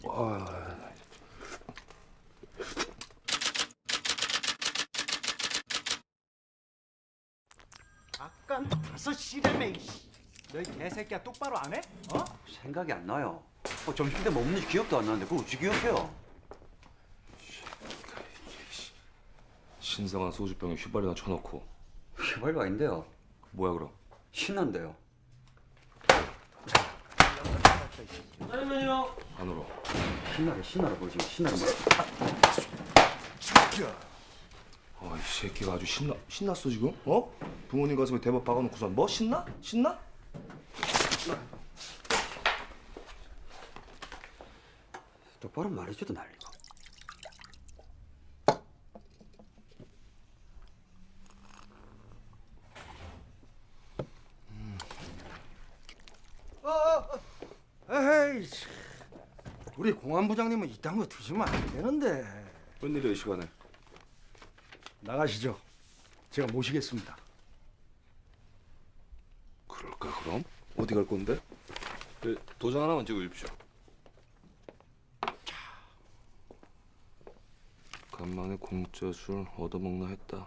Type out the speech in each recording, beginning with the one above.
아깐 5시라며 이씨. 너희 개새끼야 똑바로 안 해? 어? 생각이 안 나요. 점심 때 뭐 먹는지 기억도 안 나는데 그걸 어찌 기억해요? 신성한 소주병에 휘발유나 쳐놓고. 휘발유 아닌데요. 뭐야 그럼? 신난데요. 짜장면이요. 안으로. 신나라 보지. 신나라 뭐. 이 새끼가 아주 신났어 지금? 어? 부모님 가슴에 대박 박아놓고선 뭐 신나? 신나? 똑바로 말해줘도 난리가. 에이, 우리 공안부장님은 이딴 거 드시면 안 되는데. 웬일이야 이 시간에? 나가시죠. 제가 모시겠습니다. 그럴까 그럼? 어디 갈 건데? 도장 하나만 찍어주십시오. 간만에 공짜 술 얻어먹나 했다.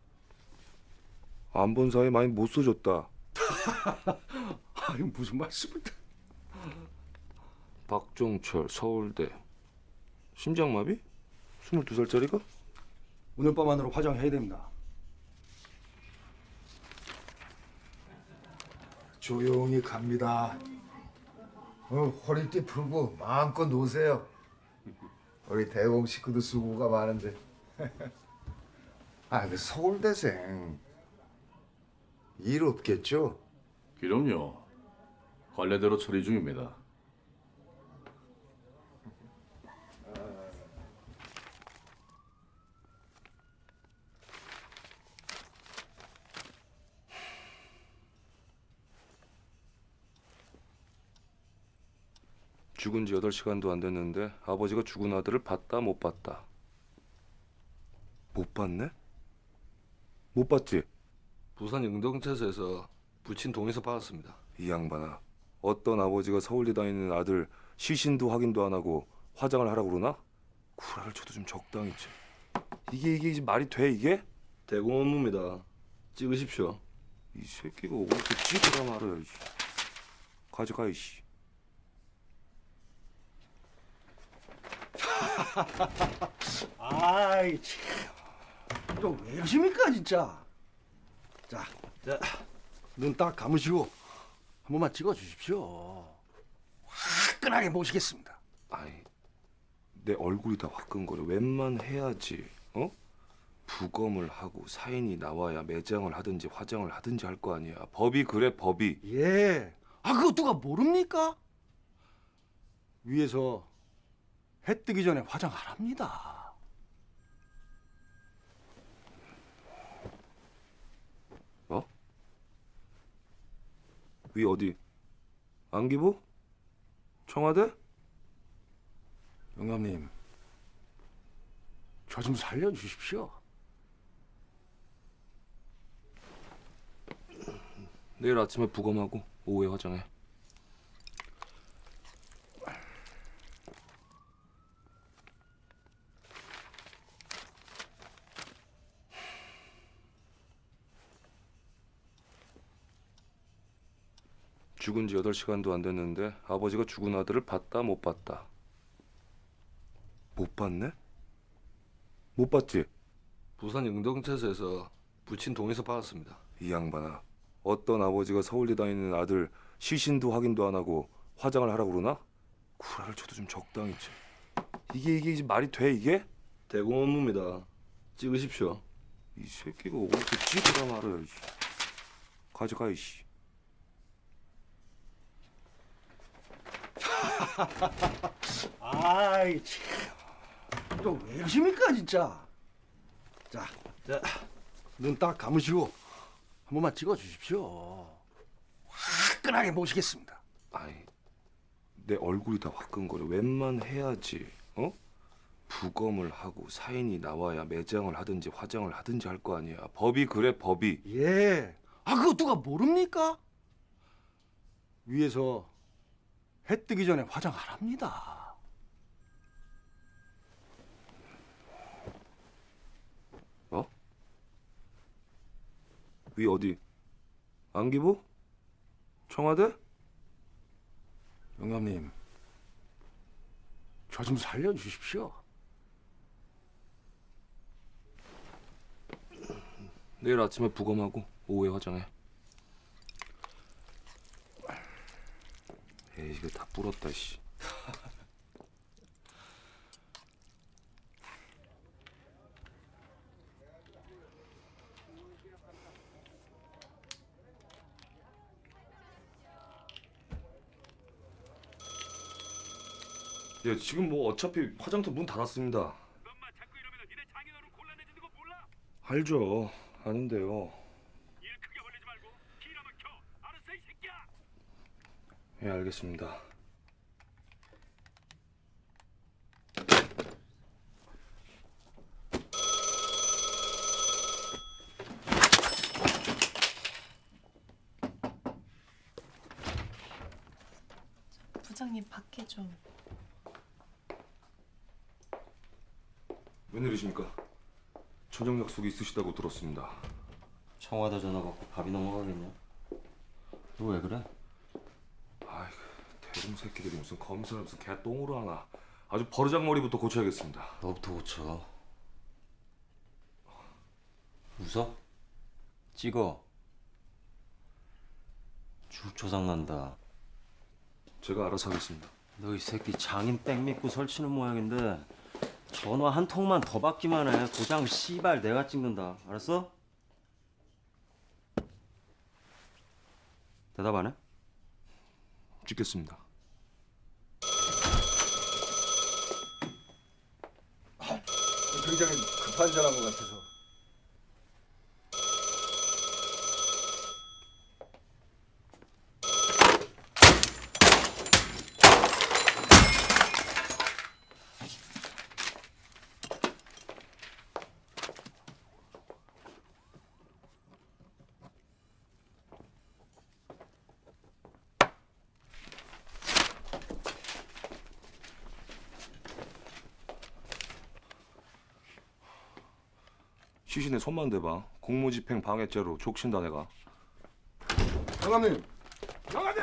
안 본 사이 많이 못 써줬다. 아유, 무슨 말씀을? 박종철 서울대 심장마비? 22살짜리가? 오늘 밤 안으로 화장해야 됩니다. 조용히 갑니다. 허리띠 풀고 마음껏 노세요. 우리 대공 식구도 수고가 많은데. 그 서울대생 일 없겠죠? 그럼요. 관례대로 처리 중입니다. 죽은 지 8시간도 안 됐는데 아버지가 죽은 아들을 봤다 못 봤다. 못 봤네? 못 봤지? 부산 영동체서에서 부친 동의서 받았습니다. 이 양반아, 어떤 아버지가 서울대 다니는 아들 시신도 확인도 안 하고 화장을 하라고 그러나? 구라를 쳐도 좀 적당히 치. 이게 말이 돼 이게? 대공 업무입니다. 찍으십시오. 이 새끼가 어디서 찍으라 말이야. 이씨. 가져가 이씨. 아이 참, 이거 왜 이러십니까 진짜? 자, 눈 딱 감으시고 한 번만 찍어 주십시오. 화끈하게 모시겠습니다. 아이, 내 얼굴이 다 화끈거려. 웬만해야지. 어? 부검을 하고 사인이 나와야 매장을 하든지 화장을 하든지 할 거 아니야. 법이 그래 법이. 예. 그거 누가 모릅니까? 위에서 해 뜨기 전에 화장하랍니다. 어? 위 어디? 안기부? 청와대? 영감님, 저 좀 살려주십시오. 내일 아침에 부검하고 오후에 화장해. 죽은 지 8시간도 안 됐는데 아버지가 죽은 아들을 봤다 못 봤다. 못 봤네? 못 봤지? 부산 영동체서에서 부친 동의서 받았습니다. 이 양반아, 어떤 아버지가 서울대 다니는 아들 시신도 확인도 안 하고 화장을 하라고 그러나? 구라를 쳐도 좀 적당히 치. 이게 말이 돼 이게? 대공 업무입니다. 찍으십시오. 이 새끼가 어디서 찍으라 말이야. 이씨. 가져가 이씨. 아이 참, 이거 왜 이러십니까 진짜? 자, 눈 딱 감으시고 한 번만 찍어 주십시오. 화끈하게 모시겠습니다. 아이, 내 얼굴이 다 화끈거려. 웬만해야지. 어? 부검을 하고 사인이 나와야 매장을 하든지 화장을 하든지 할 거 아니야. 법이 그래 법이. 예. 그거 누가 모릅니까? 위에서 해 뜨기 전에 화장하랍니다. 위 어디? 안기부? 청와대? 영감님, 저 좀 살려주십시오. 내일 아침에 부검하고 오후에 화장해. 에이, 이거 다 불었다, 씨. 예, 지금 뭐 어차피 화장터 문 닫았습니다. 너만 자꾸 이러면 니네 장인어른 곤란해지는 거 몰라? 알죠. 아는데요. 일 크게 벌리지 말고 기라면 켜. 알았어 이 새끼야. 예, 알겠습니다. 부장님 밖에 좀. 웬일이십니까? 저녁 약속이 있으시다고 들었습니다. 청와대 전화 받고 밥이 넘어가겠냐? 너 왜 그래? 아이고, 대중 새끼들이 무슨 검사를 무슨 개똥으로 하나. 아주 버르장머리부터 고쳐야겠습니다. 너부터 고쳐. 웃어? 찍어. 죽 조상난다. 제가 알아서 하겠습니다. 너 이 새끼 장인 백 믿고 설치는 모양인데 전화 한 통만 더 받기만 해. 고장 씨발 내가 찍는다. 알았어? 대답 안 해? 찍겠습니다. 굉장히 급한 전화인 것 같아서. 시신에 손만 대봐. 공무집행 방해죄로 족친다 내가. 영감님. 영감들!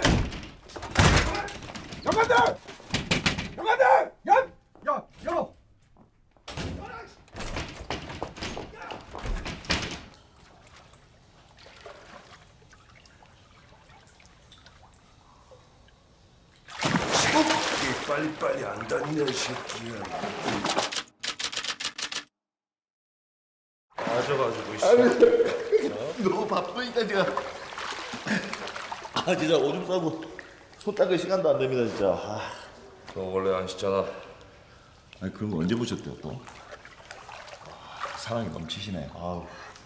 영감들! 영감들! 야, 열어! 빨리빨리 안 닿냐 이 새끼야. 너무 바쁘니까 제가 진짜 오줌 싸고 손 닦을 시간도 안 됩니다 진짜. 너 원래 안 씻잖아. 아니 그런 거 언제 보셨대요 또? 사랑이 넘치시네. 아우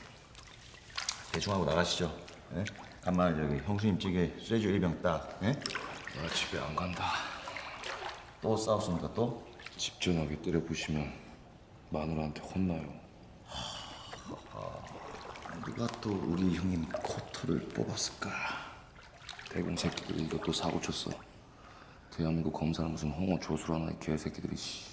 대충 하고 나가시죠. 예? 간만에 저기 형수님 찌개 쇠주 1병 딱. 예? 나 집에 안 간다. 또 싸웠습니까 또? 집 전화기 때려부시면 마누라한테 혼나요. 누가 또 우리 형님 코트를 뽑았을까? 대공 새끼들이 이것도 사고 쳤어. 대한민국 검사는 무슨 홍어 조수라나 이 개새끼들이 씨.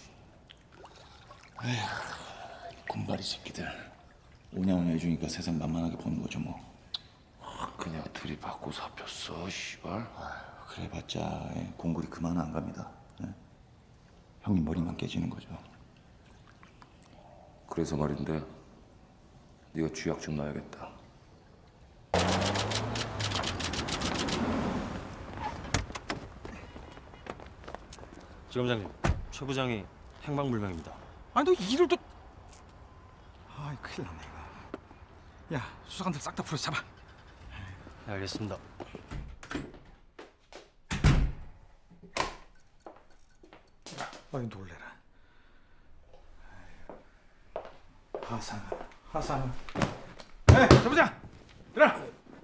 군발이 새끼들 오냐오냐 해주니까 세상 만만하게 보는 거죠 뭐. 그냥 들이받고 잡혔어 씨발. 그래봤자 공굴이 그만 안 갑니다. 예? 형님 머리만 깨지는 거죠. 그래서 말인데 네가 쥐약 좀 놔야겠다. 지검장님, 최 부장이 행방불명입니다. 아니 너 일을 또... 아이 큰일 났네 이거. 야 수사관들 싹 다 풀어서 잡아. 네, 알겠습니다. 아이 놀래라. 하상아. 네, 저 부장. 일어나.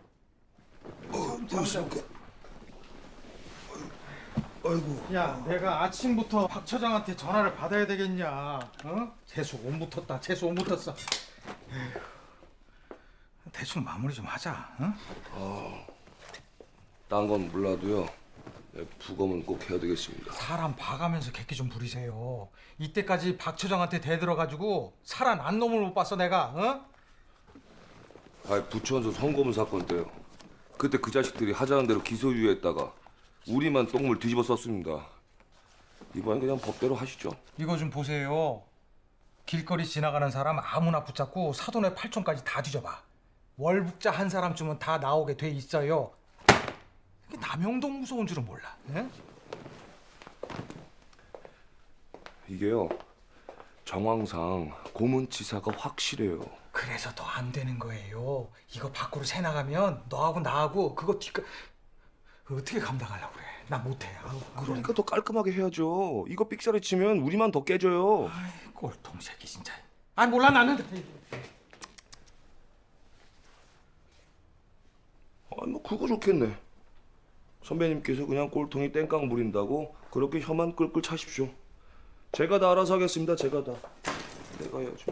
아이고. 야, 내가 아침부터 박 처장한테 전화를 받아야 되겠냐? 어? 재수 온 붙었다. 재수 온 붙었어. 에휴. 대충 마무리 좀 하자. 어? 딴 건 몰라도요. 네, 부검은 꼭 해야 되겠습니다. 사람 봐가면서 객기 좀 부리세요. 이때까지 박 처장한테 대들어가지고 살아난 놈을 못 봤어 내가. 어? 부천서 성고문 사건 때요. 그때 그 자식들이 하자는 대로 기소유예했다가 우리만 똥물 뒤집어 썼습니다. 이번엔 그냥 법대로 하시죠. 이거 좀 보세요. 길거리 지나가는 사람 아무나 붙잡고 사돈의 팔촌까지 다 뒤져봐. 월북자 한 사람쯤은 다 나오게 돼 있어요. 이게 남영동 무서운 줄은 몰라. 예? 이게요. 정황상 고문치사가 확실해요. 그래서 더 안 되는 거예요. 이거 밖으로 새 나가면 너하고 나하고 그거 어떻게 감당하려고 그래. 나 못해. 아우, 그러니까 더 깔끔하게 해야죠. 이거 삑사리 치면 우리만 더 깨져요. 아이, 꼴통 새끼 진짜. 아니 몰라 나는. 아니 뭐 그거 좋겠네. 선배님께서 그냥 꼴통이 땡깡 부린다고 그렇게 혀만 끌끌 차십시오. 제가 다 알아서 하겠습니다. 제가 다. 내가 해야죠.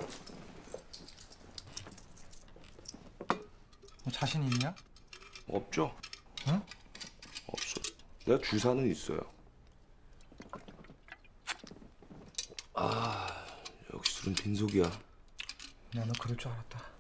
너 자신 있냐? 없죠? 응? 없어. 내가 주사는 있어요. 아, 역시 술은 빈속이야. 나 너 그럴 줄 알았다.